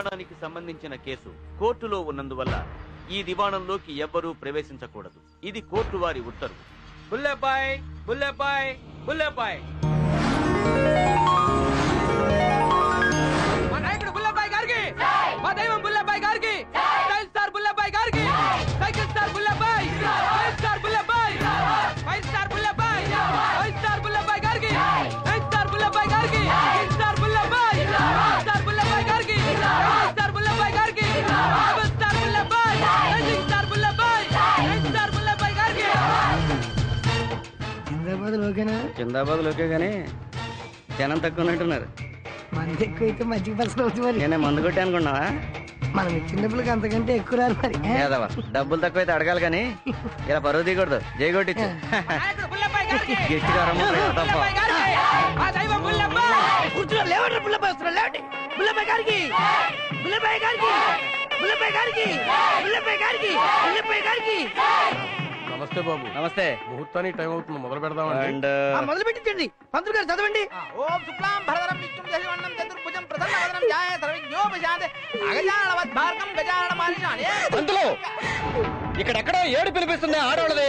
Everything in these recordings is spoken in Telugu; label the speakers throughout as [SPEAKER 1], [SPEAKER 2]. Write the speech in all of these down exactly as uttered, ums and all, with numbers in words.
[SPEAKER 1] దివాణానికి సంబంధించిన కేసు కోర్టులో ఉన్నందువల్ల ఈ దివాణంలోకి ఎవ్వరూ ప్రవేశించకూడదు. ఇది కోర్టు వారి ఉత్తర్వు.
[SPEAKER 2] బుల్లెబాయ్ బుల్లెబాయ్ బుల్లెబాయ్ మా నాయకుడు బుల్లెబాయ్ గారికి, మా దైవం బుల్లెబాయ్ గారికి, స్టైల్ స్టార్ బుల్లెబాయ్ గారికి, cycle star Bullebbai, five star Bullebbai, five star Bullebbai, five star Bullebbai గారికి, నైన్ స్టార్ బుల్లెబాయ్ గారికి, six star Bullebbai, star Bullebbai గారికి, స్టార్ బుల్లెబాయ్ గారికి, seven star Bullebbai, eight star Bullebbai, nine star Bullebbai గారికి.
[SPEAKER 3] జిందాబాద్ లోకేనా?
[SPEAKER 4] జిందాబాద్ లోకే గానీ జనం తక్కువ ఉన్నట్టున్నారు.
[SPEAKER 3] మంది ఎక్కువైతే మజ్జిగ పలసలు అవుతుంది మరి.
[SPEAKER 4] నేనే మందు కొట్టి అనుకున్నావా?
[SPEAKER 3] మనం ఇచ్చిన డబ్బులకి అంతకంటే ఎక్కువ రారు మరి.
[SPEAKER 4] ఏదవా డబ్బులు తక్కువైతే అడగాలి కానీ ఇలా పరువు తీయకూడదు. జై కొట్టించు
[SPEAKER 2] నాయకుడు బుల్లెబాయ్ గారికి,
[SPEAKER 4] గట్టిగా రమ్మ తప్ప.
[SPEAKER 2] బుల్లెబాయ్ గారికి, మా దైవం బుల్లెబాయ్.
[SPEAKER 3] కూర్చున్నారు లేవండి బుల్లబాయ్ వస్తున్నారు లేవండి. బుల్లబాయ్ గారికి బుల్లబాయ్ గారికి బుల్లబాయ్ గారికి బుల్లబాయ్ గారికి బుల్లబాయ్ గారికి.
[SPEAKER 5] నమస్తే బాబు.
[SPEAKER 4] నమస్తే.
[SPEAKER 5] ముహూర్తానికి టైం అవుతుంది, మొదలు పెడదామండి.
[SPEAKER 4] అండ్
[SPEAKER 3] ఆ, మొదలు పెట్టించండి. పంతులు గారు చదవండి.
[SPEAKER 2] ఓం శుక్లాం భరధరం విష్ణుం శశివర్ణం చతుర్భుజం ప్రసన్నవదనం ధ్యాయే సర్వజ్ఞోపశాంతే అగజానవద్భార్గం గజానన మహర్షి.
[SPEAKER 4] పంతులు ఇక్కడెక్కడో ఏడు పిలిపిస్తుంది ఆడవాళ్ళది.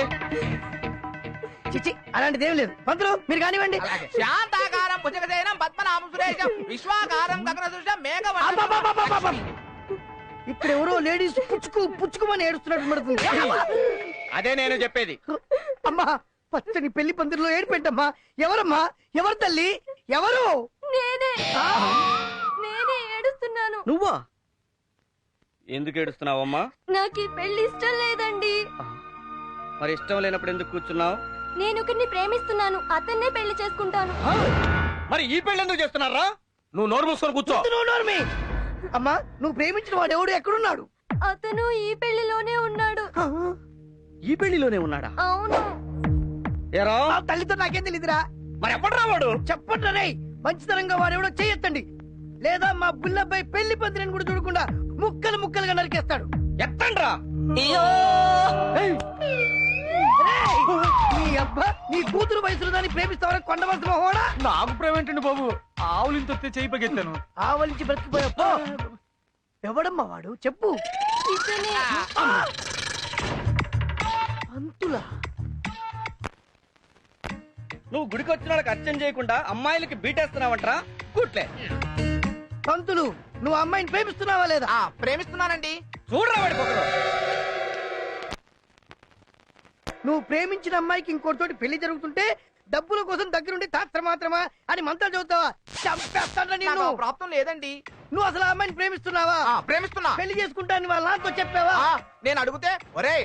[SPEAKER 3] చిచ్చి అలాంటిది ఏం లేదు. పంతులు మీరు కానివ్వండి.
[SPEAKER 2] శాంతాకారం భుజగశయనం పద్మనాభం సురేశం విశ్వాకారం గగనసృష్టం మేఘవర్ణం.
[SPEAKER 3] ఇక్కడ ఎవరో లేడీస్ పుచ్చుకు పుచ్చుకుమని ఏడుస్తున్నట్టు పడుతుంది.
[SPEAKER 4] అదే నేను చెప్పేది.
[SPEAKER 3] అమ్మా పచ్చని పెళ్లి పందిరిలో ఏడిపెట్టమ్మా. ఎవరమ్మా? ఎవరు తల్లి? ఎవరు?
[SPEAKER 6] నేనే నేనే ఏడుస్తున్నాను.
[SPEAKER 4] నువ్వా? ఎందుకు ఏడుస్తున్నావమ్మా?
[SPEAKER 6] నాకు ఈ పెళ్లి ఇష్టం లేదండి.
[SPEAKER 4] మరి ఇష్టం లేనప్పుడు ఎందుకు కూర్చున్నావు?
[SPEAKER 6] నేను ఒకరిని ప్రేమిస్తున్నాను, అతన్నే పెళ్లి చేసుకుంటాను.
[SPEAKER 4] మరి ఈ పెళ్లి ఎందుకు చేస్తున్నారా?
[SPEAKER 5] నువ్వు నోరు మూసుకొని కూర్చో.
[SPEAKER 3] నువ్వు నోర్మి. అమ్మా నువ్వు ప్రేమించిన వాడు ఎవడు ఎక్కడున్నాడు?
[SPEAKER 6] అతను ఈ పెళ్లిలోనే ఉన్నాడు.
[SPEAKER 4] ఈ పెళ్లిలోనే ఉన్నాడా?
[SPEAKER 6] అవును.
[SPEAKER 4] ఏరా
[SPEAKER 3] ఆ తల్లితో నాకేం తెలియదురా.
[SPEAKER 4] మరి ఎప్పుడు రావాడు?
[SPEAKER 3] చెప్పండి రే. మంచితనంగా వాడెవడో చేయొత్తండి, లేదా మా బుల్లబ్బాయి పెళ్లి పందిరిని కూడా చూడకుండా ముక్కలు ముక్కలుగా నరికేస్తాడు.
[SPEAKER 4] ఎత్తండ్రా.
[SPEAKER 3] నీ అబ్బా నీ కూతురు వయసులో దాన్ని ప్రేమిస్తావరా కొండవలసిన హోడా.
[SPEAKER 5] నాకు ప్రేమేంటండి బాబు, ఆవులు ఇంత చేయి పగెత్తాను.
[SPEAKER 3] ఆవలించి బ్రతికిపోయా. ఎవడమ్మా వాడు చెప్పు.
[SPEAKER 6] ఇతనే.
[SPEAKER 3] అంతులా
[SPEAKER 4] నువ్వు గుడికి వచ్చిన వాళ్ళకి అర్చన చేయకుండా అమ్మాయిలకి బీటేస్తున్నావంటరా? కూట్లే.
[SPEAKER 3] పంతులు నువ్వు అమ్మాయిని ప్రేమిస్తున్నావా లేదా?
[SPEAKER 2] ప్రేమిస్తున్నానండి.
[SPEAKER 4] చూడరా వాడి పొగరు.
[SPEAKER 3] నువ్వు ప్రేమించిన అమ్మాయికి ఇంకోటితోటి పెళ్లి జరుగుతుంటే డబ్బుల కోసం దగ్గరుండి తాత్ర మాత్రమా అని మంత్రాలు చదువుతావా? చంపేస్తాను నేను.
[SPEAKER 2] ప్రాప్తం లేదండి.
[SPEAKER 3] నువ్వు అసలు ఆ అమ్మాయిని ప్రేమిస్తున్నావా?
[SPEAKER 2] ప్రేమిస్తున్నా.
[SPEAKER 3] పెళ్లి చేసుకుంటాను వాళ్ళ నాతో చెప్పావా?
[SPEAKER 2] నేను అడిగితే ఒరే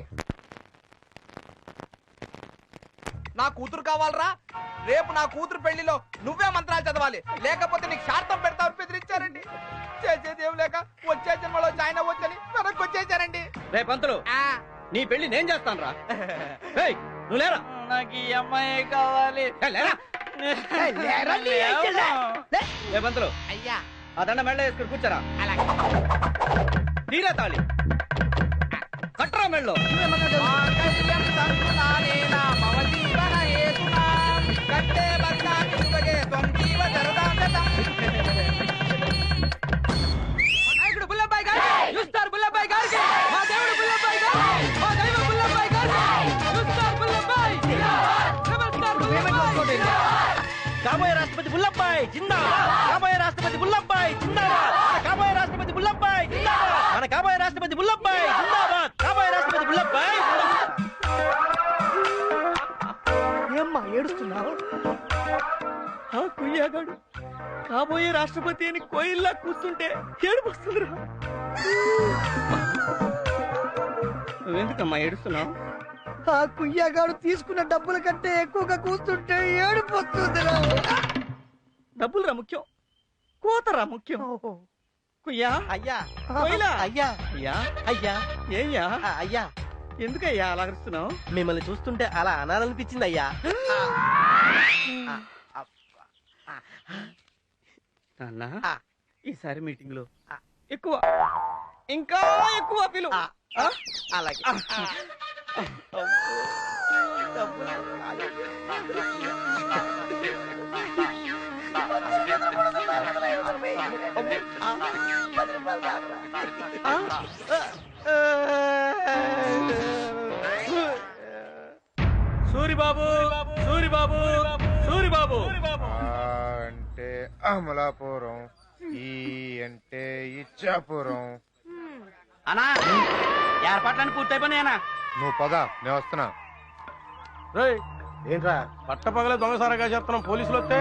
[SPEAKER 2] నా కూతురు కావాలరా, రేపు నా కూతురు పెళ్లిలో నువ్వే మంత్రాలు చదవాలి, లేకపోతే నీకు శార్థం పెడతావు బెదిరించారండి. చేసేది ఏం లేక వచ్చే జన్మలో జాయిన్ అవ్వచ్చని వెనక్కి వచ్చేసారండి.
[SPEAKER 4] రే పంతులు నీ పెళ్లి నేను చేస్తాను రా. నువ్వు లేరా?
[SPEAKER 2] నాకు ఈ అమ్మాయి కావాలి.
[SPEAKER 4] లేరా?
[SPEAKER 3] ఏయ్, లేరా నీ అయ్యలే. లే.
[SPEAKER 4] రే పంతులు
[SPEAKER 2] అయ్యా
[SPEAKER 4] ఆ దండ మెళ్ళ వేసుకుని కూర్చోరా.
[SPEAKER 2] అలాగే.
[SPEAKER 4] తీరా తాళి కట్టరా మెళ్ళో.
[SPEAKER 2] నాయకుడు బుల్లబాయ్ గారికి, యూస్టార్ బుల్లబాయ్ గారికి, మా దేవుడు బుల్లబాయ్ గారికి, మా దైవం బుల్లబాయ్ గారికి, యూస్టార్ బుల్లబాయ్, రెబల్ స్టార్ బుల్లబాయ్.
[SPEAKER 4] కాబోయే రాష్ట్రపతి బుల్లబ్బాయ్ జిందాబాద్. కాబోయే రాష్ట్రపతి బుల్లబ్బాయ్ జిందాబాద్. కాబోయే రాష్ట్రపతి బుల్లబ్బాయ్ జిందాబాద్. మన కాబోయే రాష్ట్రపతి బుల్లబ్బాయ్ జిందాబాద్. కాబోయే రాష్ట్రపతి బుల్లబ్బాయ్.
[SPEAKER 3] ఏమ్మా ఏడుస్తున్నావు?
[SPEAKER 4] ఆ కుయ్యాగాడు కాబోయే రాష్ట్రపతి అని కోయిల్లా కూర్చుంటే ఏడుపు వస్తుందిరా. నువ్వెందుకమ్మా ఏడుస్తున్నావు?
[SPEAKER 3] ఆ కుయ్యగాడు తీసుకున్న డబ్బుల కంటే ఎక్కువగా కూస్తుంటే ఏడుపు వస్తుందిరా.
[SPEAKER 4] డబ్బులురా ముఖ్యం, కోతరా ముఖ్యం. కుయ్యా
[SPEAKER 2] అయ్యా
[SPEAKER 4] కోయిలా
[SPEAKER 2] అయ్యా
[SPEAKER 4] అయ్యా
[SPEAKER 2] అయ్యా
[SPEAKER 4] ఏయ్యా
[SPEAKER 2] అయ్యా
[SPEAKER 4] ఎందుకయ్యా అలా అరుస్తున్నావు?
[SPEAKER 2] మిమ్మల్ని చూస్తుంటే అలా అనాలనిపించింది అయ్యా.
[SPEAKER 4] నాన్న
[SPEAKER 2] ఆ.
[SPEAKER 4] ఈసారి మీటింగ్ లో ఎక్కువ ఇంకా ఎక్కువ పిలు.
[SPEAKER 2] అలాగే.
[SPEAKER 5] సూరిబాబు సూరిబాబు సూరిబాబు
[SPEAKER 7] అంటే అమలాపురం, ఈ అంటే ఇచ్చాపురం.
[SPEAKER 4] అన్నా ఏర్పాట్లన్నీ పూర్తయిపోయినాయనా?
[SPEAKER 7] నువ్వు పద, నేను వస్తున్నా.
[SPEAKER 5] రేయ్ ఏంట్రా పట్టపగలే దొంగసారగా చేస్తున్నాం, పోలీసులు వస్తే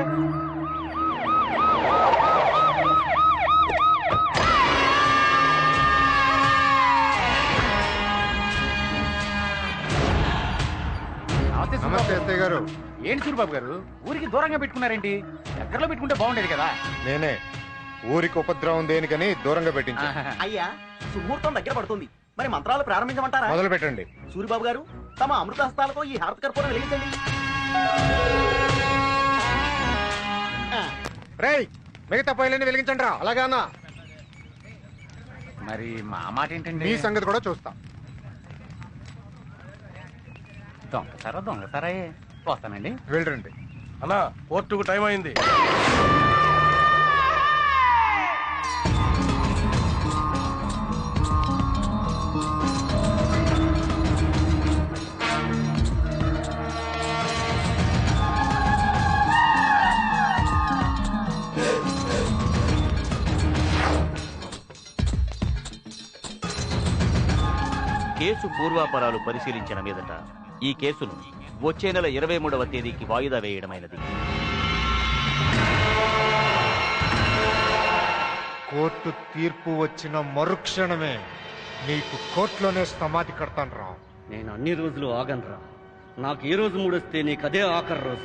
[SPEAKER 7] నమస్తే ఎస్ఐ గారు.
[SPEAKER 8] ఏంటి సూరిబాబు గారు ఊరికి దూరంగా పెట్టుకున్నారేంటి? దగ్గరలో పెట్టుకుంటే బాగుండేది కదా.
[SPEAKER 7] నేనే ఊరికి ఉపద్రవం దేనికని దూరంగా పెట్టించా.
[SPEAKER 4] అయ్యా సుముహూర్తం దగ్గర పడుతుంది, మరి మంత్రాలు ప్రారంభించమంటారా?
[SPEAKER 7] మొదలు పెట్టండి.
[SPEAKER 4] సూరిబాబు గారు తమ అమృత హస్తాలతో ఈ హారత కర్పూరం వెలిగించండి.
[SPEAKER 7] రేయ్, మిగతా పైలన్నీ వెలిగించండి రా. అలాగానా?
[SPEAKER 8] మరి మా మాట ఏంటండి?
[SPEAKER 7] మీ సంగతి కూడా చూస్తా.
[SPEAKER 8] దొంగసారా దొంగసారా వస్తానండి.
[SPEAKER 7] వెళ్ళండి.
[SPEAKER 5] అన్నా కోర్టుకు టైం అయింది.
[SPEAKER 1] కేసు పూర్వాపరాలు పరిశీలించిన మీదట ఈ కేసును వచ్చే నెల ఇరవై మూడవ తేదీకి వాయిదా వేయడమైనది.
[SPEAKER 7] కోర్టు తీర్పు వచ్చిన మరుక్షణమే నీకు కోర్టులోనే సమాధి కడతాను రా.
[SPEAKER 4] నేను అన్ని రోజులు ఆగనరా. నాకు ఏ రోజు మూడొస్తే నీకు అదే ఆఖరి రోజు.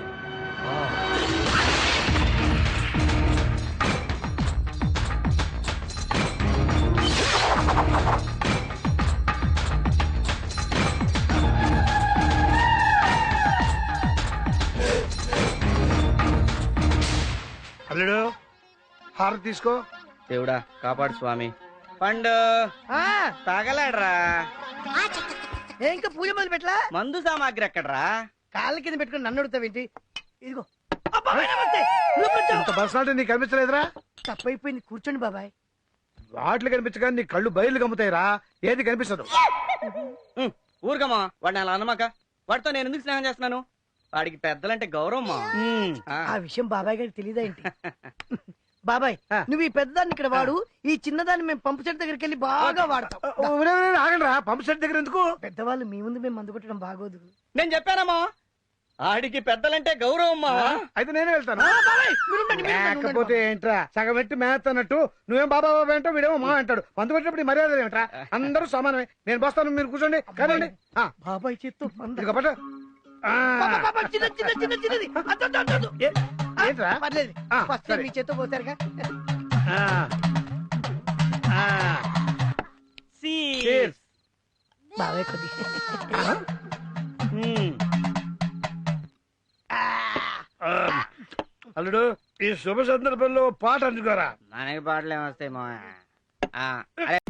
[SPEAKER 3] అల్లుడు హారతి తీసుకో.
[SPEAKER 4] దేవుడా కాపాడు స్వామి. పండు
[SPEAKER 3] ఆ,
[SPEAKER 4] తాగలాడరా.
[SPEAKER 3] ఏ ఇంకా పూజ మొదలు పెట్టలా?
[SPEAKER 4] మందు సామాగ్రి ఎక్కడరా?
[SPEAKER 3] కాళ్ళ కింద పెట్టుకుని నన్ను అడుగుతావేంటి? ఇదిగో. అబ్బా, నమస్తే. నువ్వు కూర్చో.
[SPEAKER 9] పర్సనాలిటీ నీకు కనిపించలేదురా?
[SPEAKER 3] తప్పైపోయింది, కూర్చోండి బాబాయ్.
[SPEAKER 9] వాటిలు కనిపించగా నీ కళ్ళు బయలు కమ్ముతాయిరా, ఏది కనిపించదు.
[SPEAKER 4] ఊరుకమ్మా వాడిని అలా అనమాక. వాడితో నేను ఎందుకు స్నేహం చేస్తున్నాను? వాడికి పెద్దలంటే గౌరవం.
[SPEAKER 3] ఆ విషయం బాబాయ్ గారికి తెలియదా ఏంటి? బాబాయ్, నువ్వు ఈ పెద్దదాన్ని ఇక్కడ వాడు, ఈ చిన్నదాన్ని మేము పంపు చెట్టు దగ్గరికి వెళ్ళి బాగా వాడతాం.
[SPEAKER 9] ఆగండి రా, పంప్ సెట్ దగ్గర ఎందుకు?
[SPEAKER 3] పెద్దవాళ్ళు మీ ముందు మేము మందు కొట్టడం బాగోదు.
[SPEAKER 4] నేను చెప్పానమ్మా ఆడికి పెద్దలంటే గౌరవం.
[SPEAKER 9] అయితే నేనే వెళ్తాను.
[SPEAKER 3] ఆ, బాబాయ్, మీరు ఉండండి, మీరు ఉండండి, ఉండండి
[SPEAKER 9] లేకపోతే ఏంట్రా, సగం పెట్టి మేత అన్నట్టు నువ్వేం బాబా బాబా అంటావు, వీడేమో మా అంటాడు. మందు పెట్టినప్పుడు ఈ మర్యాద ఏమిట్రా? అందరూ సమానమే. నేను బస్తాను, మీరు కూర్చోండి. కదండి. ఆ,
[SPEAKER 3] బాబాయ్ చేత్తో మందు.
[SPEAKER 9] ఇదిగో పట్టు. ఆ,
[SPEAKER 3] బాబా, బాబా, చిన్న చిన్న చిన్న చిన్నది. అద్దు, అద్దు, అద్దు, అద్దు.
[SPEAKER 9] ఏ- ఏంట్రా?
[SPEAKER 3] పర్లేదు,
[SPEAKER 9] ఆ,
[SPEAKER 3] ఫస్ట్
[SPEAKER 9] సరే.
[SPEAKER 3] మీ చేత్తో పోతారుగా.
[SPEAKER 9] ఆ, ఆ, cheers.
[SPEAKER 3] బాబాయ్ కొద్ది.
[SPEAKER 9] ఆ, అల్లుడు, ఈ శుభ సందర్భంలో పాట అందుకోరా.
[SPEAKER 4] మనకి పాటలు ఏమొస్తాయి మా